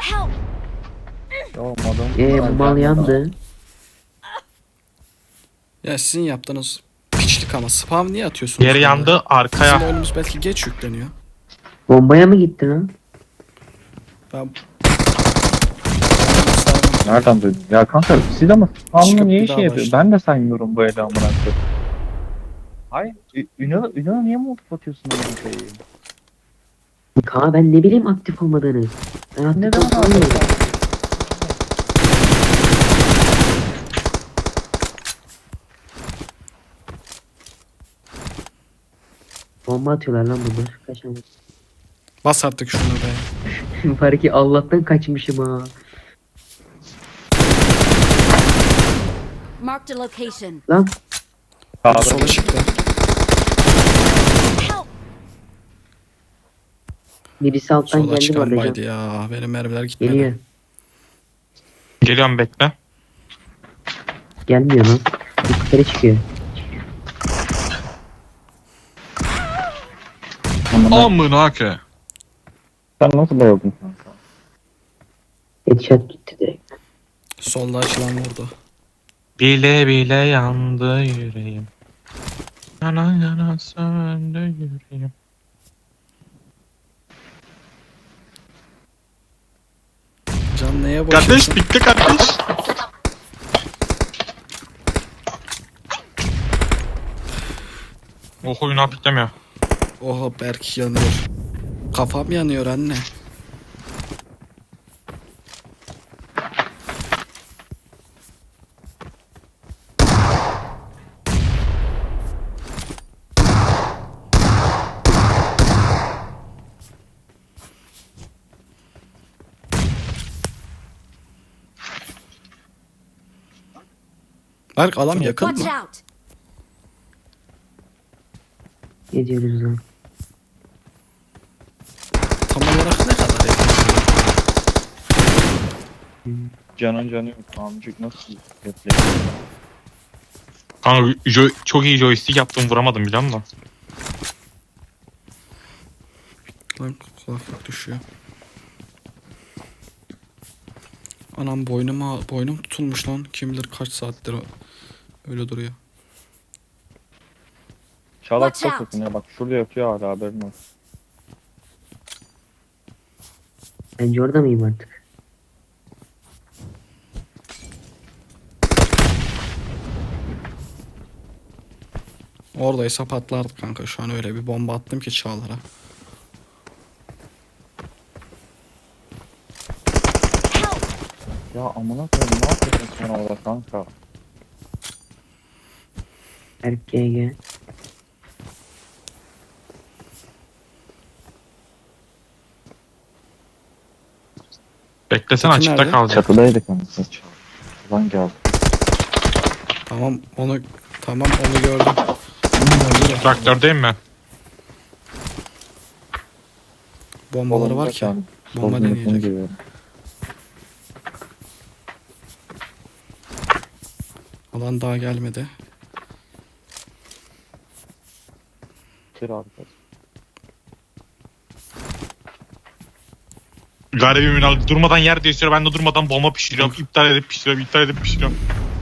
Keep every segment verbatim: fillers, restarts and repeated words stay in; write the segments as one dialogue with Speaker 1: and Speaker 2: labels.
Speaker 1: Help!
Speaker 2: Olmadım.
Speaker 3: Eee bu mal yandı.
Speaker 4: Ya sizin yaptığınız piçlik ama spam niye atıyorsunuz?
Speaker 5: Diğeri
Speaker 4: bunları?
Speaker 5: yandı
Speaker 4: Bizim
Speaker 5: arkaya.
Speaker 4: oyunumuz belki geç yükleniyor.
Speaker 3: Bombaya mı gitti lan?
Speaker 4: Ben
Speaker 2: Nereden duydun? Ya kanka siz ama
Speaker 4: Çıkıp
Speaker 2: Anlı niye
Speaker 4: bir
Speaker 2: şey
Speaker 4: daha
Speaker 2: yapıyor?
Speaker 4: başla.
Speaker 2: Ben de saymıyorum bu ele amına koyayım. Hayır. Ü- Ünal, Ünal niye mi atıyorsun amına koyayım?
Speaker 3: Kaan ben ne bileyim aktif olmadığını. Ben aktif
Speaker 2: Neden
Speaker 3: olmadığını
Speaker 2: abi?
Speaker 3: Bomba atıyorlar lan bunlar. Kaçamadım.
Speaker 4: bas artık şunu be.
Speaker 3: Var ki Allah'tan kaçmışım ha.
Speaker 1: Marked a location.
Speaker 3: Lan
Speaker 2: Sağda.
Speaker 4: Sola çıktı.
Speaker 1: Help!
Speaker 3: birisi alttan
Speaker 4: Sola
Speaker 3: geldi bu
Speaker 4: çıkan
Speaker 3: arada.
Speaker 4: baydı
Speaker 3: Can.
Speaker 4: ya. Benim mermiler gitmedi.
Speaker 3: Geliyor.
Speaker 5: Geliyorum bekle.
Speaker 3: Gelmiyor lan. Yukarı çıkıyor.
Speaker 2: Amına-
Speaker 5: Amına ke.
Speaker 2: Sen nasıl bayıldın kanka?
Speaker 3: Headshot gitti direkt.
Speaker 4: Solda açılan vurdu.
Speaker 5: Bile bile yandı yüreğim. Yana yana söndü yüreğim.
Speaker 4: Can neye boşuyorsun?
Speaker 5: Kardeş bitti kardeş. Oh oyunu apiklemiyor.
Speaker 4: Oha Berk yanıyor. Kafam yanıyor anne. Berk adam yakın
Speaker 1: Watch
Speaker 4: mı?
Speaker 1: out!
Speaker 3: Ne diyoruz lan?
Speaker 4: Tam olarak ne kadar yakın?
Speaker 2: Canın canı yok. Amcık nasıl yapıyor?
Speaker 5: Kanka jo- çok iyi joystick yaptım vuramadım biliyor musun?
Speaker 4: Lan kulaklık düşüyor. Anam boynuma boynum tutulmuş lan. Kim bilir kaç saattir o- öyle duruyor.
Speaker 2: Çalak
Speaker 1: Watch
Speaker 2: çok
Speaker 1: out.
Speaker 2: yakın ya. Bak şurada yatıyor hala haberin olsun.
Speaker 3: Bence orada mıyım artık?
Speaker 4: Oradaysa patlardı kanka. Şu an öyle bir bomba attım ki Çağlar'a.
Speaker 1: Help!
Speaker 2: Ya amına koyayım ne yapıyorsun sen orada kanka?
Speaker 3: Erk G G.
Speaker 5: Beklesen
Speaker 4: Peki
Speaker 5: açıkta
Speaker 4: nerede?
Speaker 5: kalacak.
Speaker 2: Çatıdaydık anasını çal. Lan geldi.
Speaker 4: Tamam onu tamam onu gördüm.
Speaker 5: Traktördeyim mi?
Speaker 4: Bombaları var ki. Bomba deneyecek. Alan daha gelmedi.
Speaker 2: Bir abi.
Speaker 5: Garibim Ünal durmadan yer değiştiriyor. Ben de durmadan bomba pişiriyorum. İptal edip pişiriyorum. İptal edip pişiriyorum.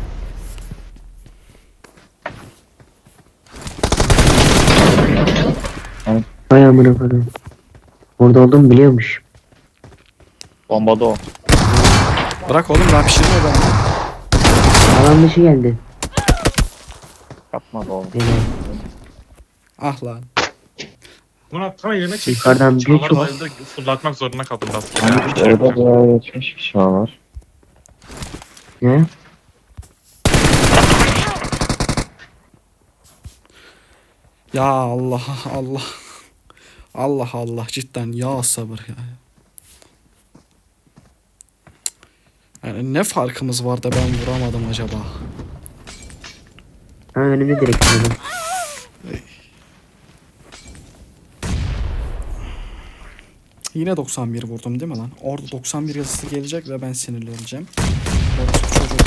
Speaker 3: Vay amına koyayım. Orada olduğumu biliyormuş.
Speaker 2: Bombada o.
Speaker 4: Bırak oğlum daha pişirme ben.
Speaker 3: Alan dışı geldi.
Speaker 2: Yapmadı oğlum.
Speaker 3: Helal.
Speaker 4: Ah lan.
Speaker 5: Buna tam yerine çektim.
Speaker 3: Yukarıdan bir
Speaker 5: Çağlar
Speaker 3: çok-
Speaker 5: bayıldı, fırlatmak zorunda kaldım biraz.
Speaker 2: Orada bayağı geçmiş kişi var.
Speaker 3: Ne?
Speaker 4: Ya Allah Allah. Allah Allah cidden ya sabır ya. Yani ne farkımız var da ben vuramadım acaba?
Speaker 3: Ha önümde direkt adam.
Speaker 4: Yine doksan bir vurdum değil mi lan? Orada doksan bir yazısı gelecek ve ben sinirleneceğim. Orası çocuk.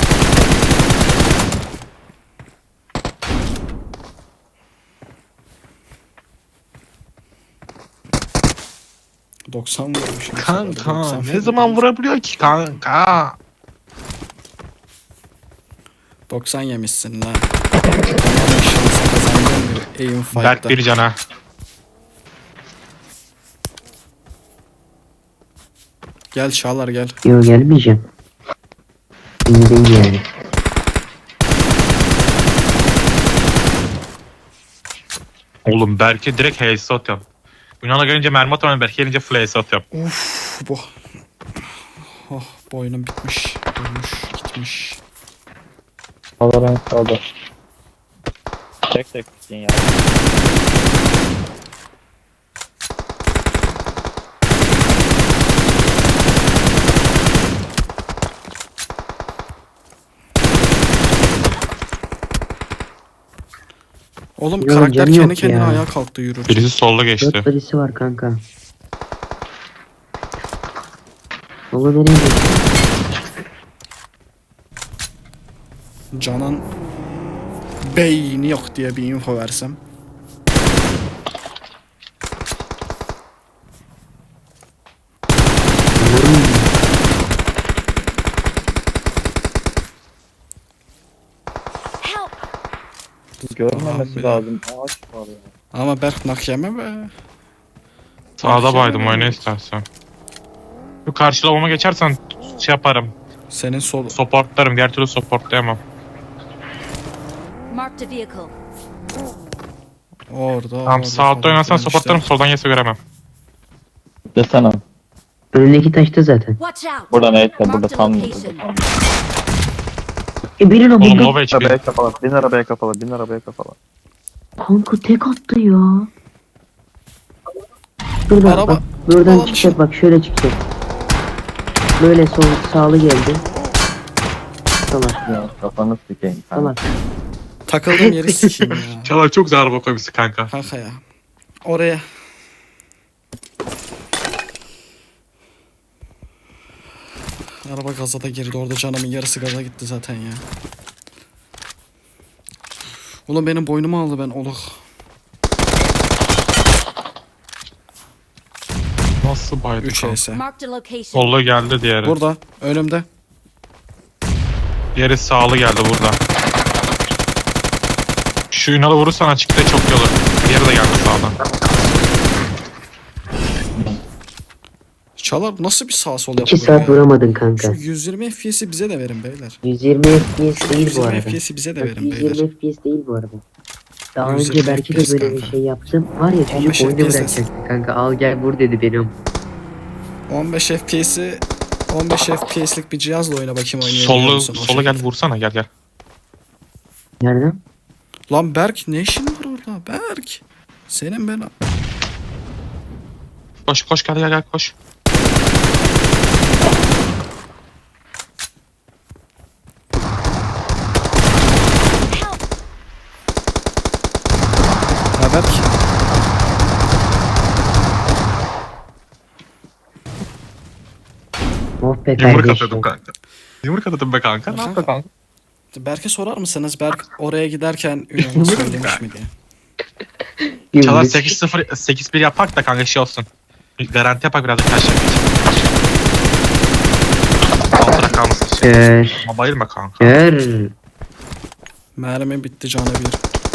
Speaker 4: doksan vurmuşum.
Speaker 5: Kanka
Speaker 4: doksan
Speaker 5: ne zaman vurabiliyor ki kanka?
Speaker 4: doksan yemişsin la. Ama şansı kazandın bir aim
Speaker 5: Berk
Speaker 4: fight'ta.
Speaker 5: bir cana.
Speaker 4: Gel Çağlar gel.
Speaker 3: Yok gelmeyeceğim. İyi değil yani.
Speaker 5: Oğlum Berk'e direkt H S atıyorum. Yunan'a gelince mermi atıyorum, Berk'e gelince full H S atıyorum.
Speaker 4: Uf bu. Oh boynum bitmiş. Ölmüş gitmiş.
Speaker 2: Valorant kaldı. Tek tek gittin ya.
Speaker 4: Oğlum
Speaker 3: Yok,
Speaker 4: karakter
Speaker 3: canı
Speaker 4: kendi
Speaker 3: yok
Speaker 4: kendine
Speaker 3: ya.
Speaker 4: ayağa kalktı yürürken.
Speaker 5: Birisi solda geçti.
Speaker 3: Dört badisi var kanka. Ola nereye gidiyorsun?
Speaker 4: Can'ın beyni yok diye bir info versem.
Speaker 1: Help!
Speaker 2: Görmemesi
Speaker 4: Abi.
Speaker 2: lazım. Ağaç var ya.
Speaker 4: Ama Berk nak yeme be.
Speaker 5: Sağda baydım,
Speaker 4: Bakayım.
Speaker 5: oyna istersen. Bu karşılamama geçersen şey yaparım.
Speaker 4: Senin sol...
Speaker 5: Supportlarım, diğer türlü supportlayamam.
Speaker 1: Marked a vehicle.
Speaker 4: Orada.
Speaker 5: Tamam,
Speaker 4: orada
Speaker 5: sağ altta
Speaker 4: falan
Speaker 5: oynarsan
Speaker 4: filan
Speaker 5: supportlarım,
Speaker 4: işte.
Speaker 5: soldan yese göremem.
Speaker 2: Desene.
Speaker 3: Önündeki taşta zaten.
Speaker 1: Watch out!
Speaker 2: Burada neyse burada
Speaker 1: Marked a
Speaker 2: tam.
Speaker 1: location.
Speaker 3: E birin
Speaker 5: Oğlum
Speaker 3: ama
Speaker 5: low H P.
Speaker 2: Arabaya kapalı. Bin arabaya kapalı. Bin arabaya kapalı.
Speaker 3: kanka tek attı ya. Şurada
Speaker 4: Araba-
Speaker 3: bak buradan
Speaker 4: Alan
Speaker 3: çıkacak bak şöyle çıkacak. Böyle sol sağlı geldi. Salak
Speaker 2: Ya kafanı sikeyim.
Speaker 3: salak.
Speaker 4: Takıldığım yeri sikeyim ya.
Speaker 5: Çalar çok güzel araba koymuşsun kanka.
Speaker 4: Kanka ya. Oraya. Araba gaza da girdi. Orada canımın yarısı gaza gitti zaten ya. Oğlum benim boynumu aldı ben oluk.
Speaker 5: Nasıl baydı
Speaker 4: üç
Speaker 5: kanka?
Speaker 4: E S.
Speaker 1: Marked a location.
Speaker 5: Solda geldi diğeri.
Speaker 4: Burada. Önümde.
Speaker 5: Diğeri sağlı geldi burada. Şu Ünal'ı vurursan açıkta çok iyi olur. Diğeri de geldi sağdan.
Speaker 4: Çalar nasıl bir sağ sol
Speaker 3: İki
Speaker 4: yapıyor
Speaker 3: saat
Speaker 4: ya?
Speaker 3: vuramadın kanka.
Speaker 4: Şu yüz yirmi F P S'i bize de verin beyler.
Speaker 3: yüz yirmi F P S değil
Speaker 4: yüz
Speaker 3: bu
Speaker 4: yirmi
Speaker 3: arada.
Speaker 4: F P S'i bize de
Speaker 3: Bak,
Speaker 4: verin
Speaker 3: yüz yirmi
Speaker 4: beyler.
Speaker 3: F P S değil bu arada. Daha
Speaker 4: yüz
Speaker 3: önce
Speaker 4: yirmi
Speaker 3: belki
Speaker 4: F P S
Speaker 3: de böyle bir
Speaker 4: kanka.
Speaker 3: şey yaptım. Var ya
Speaker 4: on beş
Speaker 3: çocuk oyunu
Speaker 4: F P S.
Speaker 3: bırakacaktı kanka. Al gel vur dedi benim.
Speaker 4: on beş F P S'i on beş F P S'lik bir cihazla oyna bakayım oynayabiliyor
Speaker 5: Sollu,
Speaker 4: musun? O
Speaker 5: sola gel
Speaker 4: şekilde.
Speaker 5: vursana, gel gel.
Speaker 3: Nereden?
Speaker 4: Lan Berk ne işin var orada? Berk. Senin ben...
Speaker 5: Koş koş gel gel gel koş.
Speaker 1: Help!
Speaker 4: Ha Berk.
Speaker 3: Oh be
Speaker 5: Yumruk
Speaker 3: kardeşim.
Speaker 5: atıyordum kanka. Yumruk atıyordum be kanka. Ne yaptın kanka?
Speaker 4: Berk'e sorar mısınız? Berk oraya giderken Ünal'a söylemiş mi diye.
Speaker 5: Çalar
Speaker 3: Yumruk.
Speaker 5: sekiz sıfır sekiz bir yapak da kanka şey olsun. Garanti yapak biraz da kaç yapayım. Altına kalmasın şey.
Speaker 3: Kör.
Speaker 5: Ama bayılma kanka.
Speaker 3: Kör.
Speaker 4: Mermi bitti canı bir.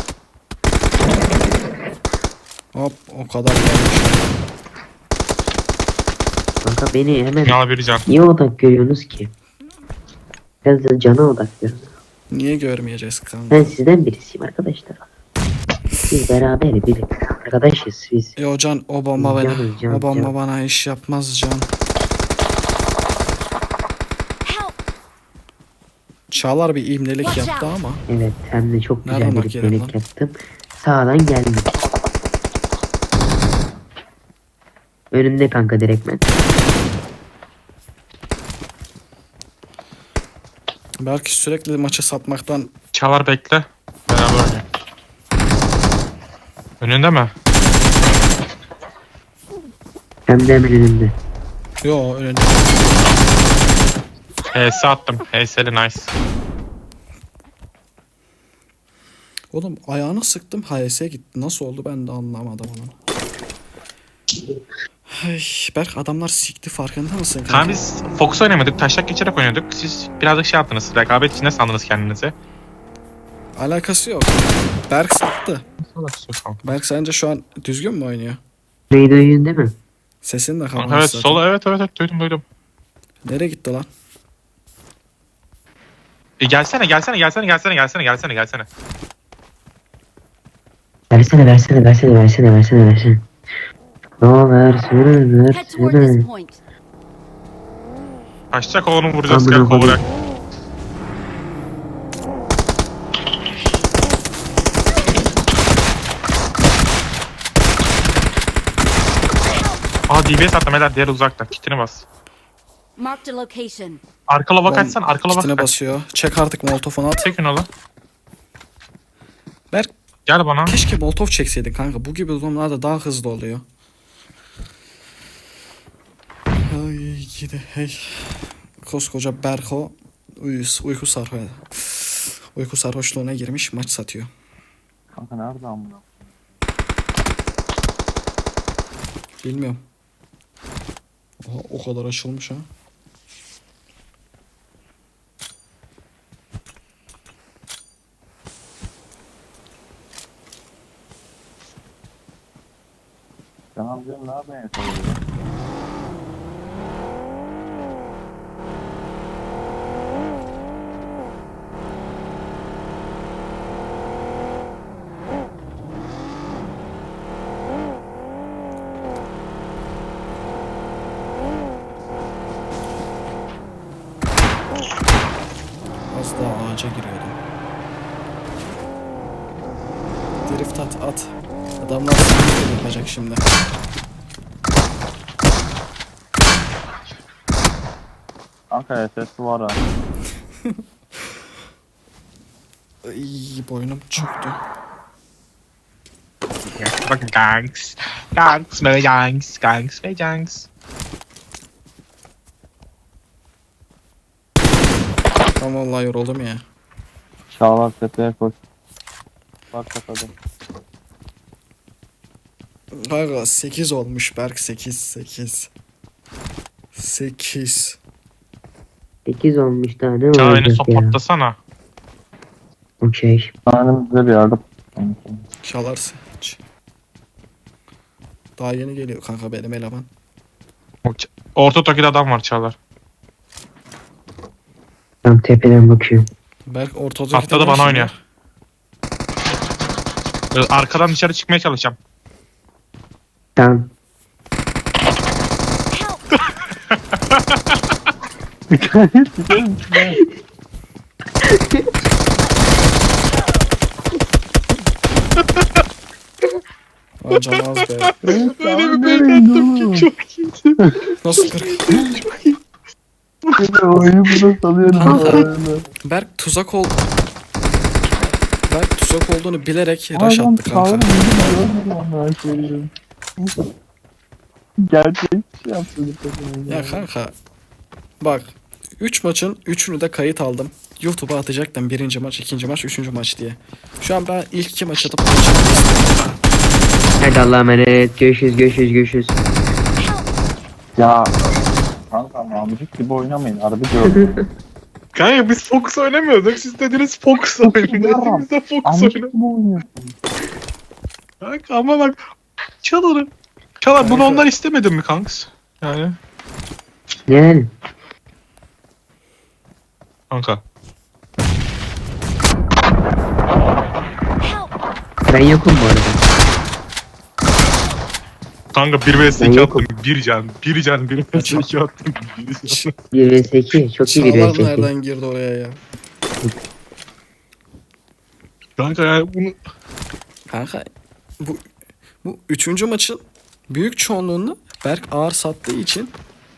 Speaker 4: Hop o kadar gelmiş.
Speaker 3: Kanka beni hemen
Speaker 5: Yağla bir can.
Speaker 3: niye odak görüyorsunuz ki? Biraz da cana odaklıyorum.
Speaker 4: Niye görmeyeceğiz kanka?
Speaker 3: Ben sizden birisiyim arkadaşlar. Biz beraber bir arkadaşız biz.
Speaker 4: Yo Can o bomba bana.
Speaker 3: Can, can,
Speaker 4: O bomba
Speaker 3: can.
Speaker 4: bana iş yapmaz Can.
Speaker 1: Help!
Speaker 4: Çağlar bir imlelik
Speaker 1: Watch
Speaker 4: yaptı
Speaker 1: out.
Speaker 4: ama.
Speaker 3: Evet hem de çok
Speaker 4: Nereden
Speaker 3: güzel
Speaker 4: bak
Speaker 3: bir
Speaker 4: yerim
Speaker 3: yemek
Speaker 4: lan?
Speaker 3: yaptım. Sağdan geldim. Önümde kanka direktmen.
Speaker 4: Belki sürekli maçı satmaktan
Speaker 5: Çalar bekle. Beraber oynayalım. Önünde mi?
Speaker 3: Hem de hemen önümde.
Speaker 4: yo önünde.
Speaker 5: H S attım. H S'li nice.
Speaker 4: Oğlum ayağını sıktım H S gitti. Nasıl oldu ben de anlamadım onu. Ay, Berk adamlar sikti farkında mısın kanka?
Speaker 5: Kanka biz Fox oynamadık. Taşak geçerek oynuyorduk. Siz birazcık şey yaptınız. Rekabet içinde sandınız kendinizi.
Speaker 4: Alakası yok. Berk sattı.
Speaker 5: Kanka.
Speaker 4: Berk sence şu an düzgün mü oynuyor?
Speaker 3: Neydi oyun değil mi?
Speaker 4: Sesin de kapalı
Speaker 5: Evet
Speaker 4: zaten.
Speaker 5: sola evet evet evet duydum duydum.
Speaker 4: Nereye gitti lan?
Speaker 5: E gelsene gelsene gelsene gelsene gelsene gelsene gelsene.
Speaker 3: Versene versene versene versene versene versene. No versene
Speaker 1: Head toward this
Speaker 3: versene.
Speaker 1: point.
Speaker 5: Kaçacak oğlum vuracağız
Speaker 3: Amına
Speaker 5: gel
Speaker 3: koyayım.
Speaker 5: kovurak. Aa D B S attım helal diğer uzakta. Kitini bas.
Speaker 1: Marked a location.
Speaker 5: Arka lava
Speaker 4: Oğlum,
Speaker 5: kaçsan arka lava
Speaker 4: kitine
Speaker 5: kaç.
Speaker 4: basıyor. Çek artık molotofunu at.
Speaker 5: Çekin oğlum.
Speaker 4: Berk
Speaker 5: Gel bana.
Speaker 4: keşke molotof çekseydin kanka. Bu gibi durumlarda daha hızlı oluyor. Ay gidi hey. Koskoca Berko uyus, uyku sarhoş. Uyku sarhoşluğuna girmiş maç satıyor.
Speaker 2: Kanka nerede amına?
Speaker 4: Bilmiyorum. Oha, o kadar açılmış ha.
Speaker 2: Tamam canım nerede en son ya?
Speaker 4: Az daha ağaca giriyordum. Drift at at. Adamlar seni yapacak şimdi.
Speaker 2: Kanka S S var ha.
Speaker 4: Ay, boynum çöktü.
Speaker 5: Bak gangs. Gangs ve gangs. Gangs ve gangs.
Speaker 4: Ben vallahi yoruldum ya.
Speaker 2: Çağlar tepeye koş. Bak bakalım.
Speaker 4: Kanka sekiz olmuş Berk sekiz sekiz. sekiz.
Speaker 3: sekiz olmuş daha ne
Speaker 5: Çağ beni
Speaker 3: olacak ya?
Speaker 5: supportlasana.
Speaker 3: Okey.
Speaker 2: Tanrım bize bir yardım.
Speaker 4: Çalar seç. Daha yeni geliyor kanka benim eleman.
Speaker 5: Orta Toki'de adam var Çağlar.
Speaker 3: Tam tepeden bakıyorum.
Speaker 4: Berk ortada
Speaker 5: Atladı bana oynuyor. Ee, Arkadan dışarı çıkmaya çalışacağım.
Speaker 3: Tamam.
Speaker 1: Help!
Speaker 4: Aa, can az be.
Speaker 5: Öyle bir bel attım ki çok iyiydi.
Speaker 4: Nasıl kırk?
Speaker 2: Oyunu burada salıyorum.
Speaker 4: Kanka. Berk tuzak ol. Berk tuzak olduğunu bilerek rush attı kanka.
Speaker 2: Gerçek şey yaptı.
Speaker 4: Ya kanka. Bak. üç maçın üçünü de kayıt aldım. YouTube'a atacaktım birinci maç, ikinci maç, üçüncü maç diye. Şu an ben ilk iki maç atıp maçı
Speaker 3: Hadi Allah'a emanet. Görüşürüz görüşürüz görüşürüz.
Speaker 2: Ya kanka amcık gibi oynamayın. Harbi diyorum.
Speaker 5: Kanka biz Fox oynamıyorduk. Siz dediniz Fox oynayın. Biz de Fox
Speaker 2: Amcık
Speaker 5: oynadık.
Speaker 2: gibi oynuyorsun.
Speaker 5: Kanka ama bak. Çağlar'ı. Çağlar bunu
Speaker 4: Kanka.
Speaker 5: onlar istemedin mi kanks? Yani.
Speaker 3: Yani.
Speaker 5: Kanka.
Speaker 1: Help!
Speaker 3: Ben yokum bu arada.
Speaker 5: Kanka bir vs
Speaker 3: Ben
Speaker 5: iki
Speaker 3: yokum.
Speaker 5: attım. Bir can. Bir can. Bir vs iki attım. Bir can.
Speaker 3: bir vs iki. Çok iyi bir
Speaker 4: Çağlar
Speaker 3: vs iki.
Speaker 4: nereden girdi oraya ya?
Speaker 5: Kanka yani bunu...
Speaker 4: Kanka bu bu üçüncü maçın büyük çoğunluğunu Berk ağır sattığı için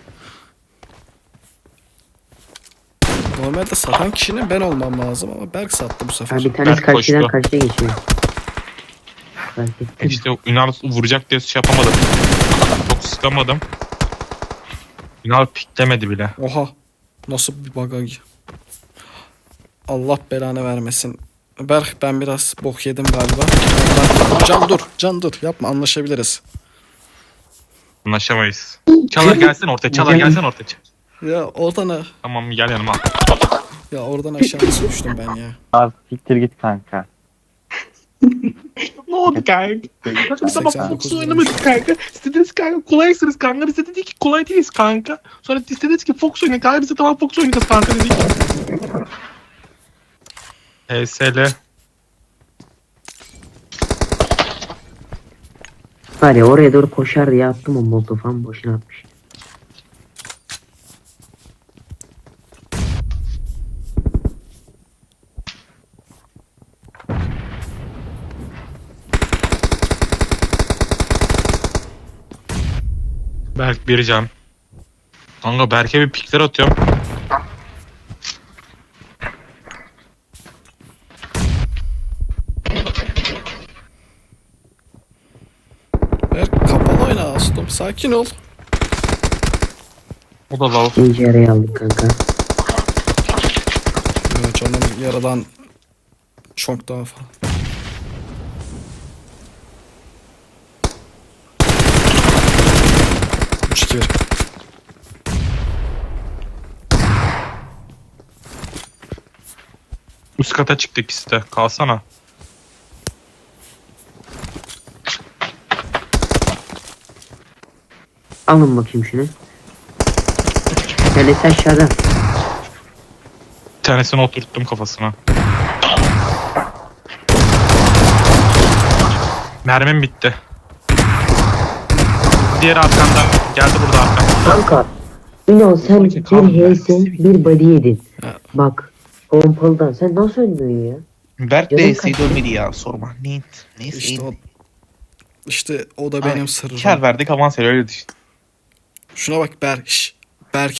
Speaker 4: normalde satan kişinin ben olmam lazım ama Berk sattı bu sefer.
Speaker 3: Ha, bir tanesi
Speaker 5: Ben
Speaker 3: karşıdan
Speaker 5: koştu.
Speaker 3: karşıya geçiyor. Fark ettim.
Speaker 5: İşte Ünal vuracak diye şey yapamadım. Çok sıkamadım. Ünal piklemedi bile.
Speaker 4: Oha. Nasıl bir bagaj. Allah belanı vermesin. Berk ben biraz bok yedim galiba. Can dur. Can dur. Yapma anlaşabiliriz.
Speaker 5: Anlaşamayız. Çalar gelsin ortaya. Çalar gelsin ortaya.
Speaker 4: Ya oradan ha-
Speaker 5: Tamam gel yanıma.
Speaker 4: ya oradan aşağı nasıl düştüm ben ya.
Speaker 2: Abi siktir git kanka.
Speaker 5: Ne oldu kanka? Kanka biz ama
Speaker 4: seksen dokuz
Speaker 5: Fox oynamadık kanka. İstediniz kanka kolaysınız kanka. Biz de dedik ki kolay değiliz kanka. Sonra istediniz ki Fox oynayın kanka. Biz de tamam Fox oynayacağız kanka dedik. H S L.
Speaker 3: Var ya oraya doğru koşar diye attım o molotofu ama boşuna atmış.
Speaker 5: Berk bir can. Kanka Berk'e bir pikler atıyorum.
Speaker 4: Ver kapalı oyna Astom. Sakin ol.
Speaker 5: O da lav.
Speaker 3: İkinci araya aldık kanka.
Speaker 4: Ya canım yaradan çok daha fazla. üç iki bir.
Speaker 5: Üst kata çıktı ikisi de. Kalsana.
Speaker 3: Alın bakayım şunu. Kendisi aşağıda.
Speaker 5: Bir tanesini oturttum kafasına. Mermim bitti. Diğer arkandan. Geldi burada arkan.
Speaker 3: Kanka. Ünal sen bir H S bir body yedin.
Speaker 4: Ha.
Speaker 3: Bak. Pompalıdan sen nasıl ölmüyorsun ya?
Speaker 6: Berk
Speaker 3: Canım
Speaker 6: de E'si
Speaker 3: kaç-
Speaker 6: dönmedi ya sorma. Neyse. Neyse.
Speaker 4: İşte o,
Speaker 6: iyiydi.
Speaker 4: işte o da benim sırrım.
Speaker 6: Kar verdik avans öyle düşün.
Speaker 4: Şuna bak Berk. Şş, Berk